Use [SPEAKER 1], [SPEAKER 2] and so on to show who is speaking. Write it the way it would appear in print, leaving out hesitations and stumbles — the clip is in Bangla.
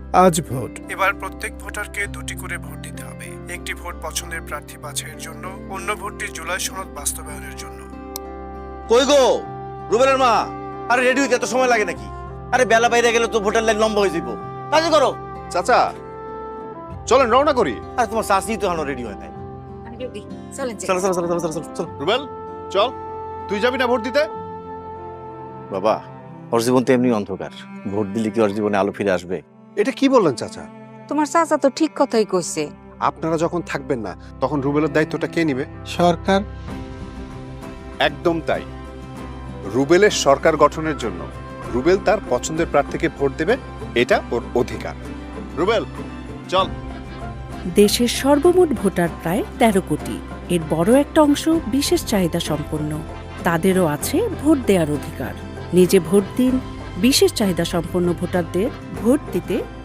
[SPEAKER 1] আজ ভোট। এবার প্রত্যেক ভোটারকে 2টি করে ভোট দিতে হবে। একটি ভোট পছন্দের প্রার্থী বাছাইয়ের জন্য, অন্য ভোটটি জুলাই সনদ বাস্তবায়নের জন্য।
[SPEAKER 2] কই গো রুবেলের মা? আরে রেডি হইতে এত সময় লাগে নাকি? আরে বেলা বাইরে গেলে তো ভোটার লাইন লম্বা হয়ে যাবো। কাজ করো।
[SPEAKER 3] চাচা চলেন রওনা করি।
[SPEAKER 2] আরে তোমার শাশুড়ি তো এখনো রেডি হয় নাই।
[SPEAKER 4] চলেন
[SPEAKER 2] চলো চলো চলো চলো চলো চলো।
[SPEAKER 3] রুবেল চল, তুই যাবি না ভোট দিতে?
[SPEAKER 2] বাবা, ওর জীবন তো এমনি অন্ধকার। ভোট দিলে কি ওর জীবনে আলো ফিরে আসবে?
[SPEAKER 3] এটা কি বললেন চাচা?
[SPEAKER 4] তোমার চাচা তো ঠিক কথাই কইছে।
[SPEAKER 3] আপনারা যখন থাকবেন না তখন রুবেলের দায়িত্বটা কে নিবে?
[SPEAKER 1] সরকার।
[SPEAKER 3] একদম তাই। রুবেলের সরকার গঠনের জন্য রুবেল তার পছন্দের প্রার্থীকে ভোট দেবে, এটা ওর অধিকার। রুবেল চল।
[SPEAKER 5] দেশের সর্বমোট ভোটার প্রায় 13 কোটি। এর বড় একটা অংশ বিশেষ চাহিদা সম্পন্ন। তাদেরও আছে ভোট দেওয়ার অধিকার। নিজে ভোট দিন, বিশেষ চাহিদা সম্পন্ন ভোটারদের ভোট দিতে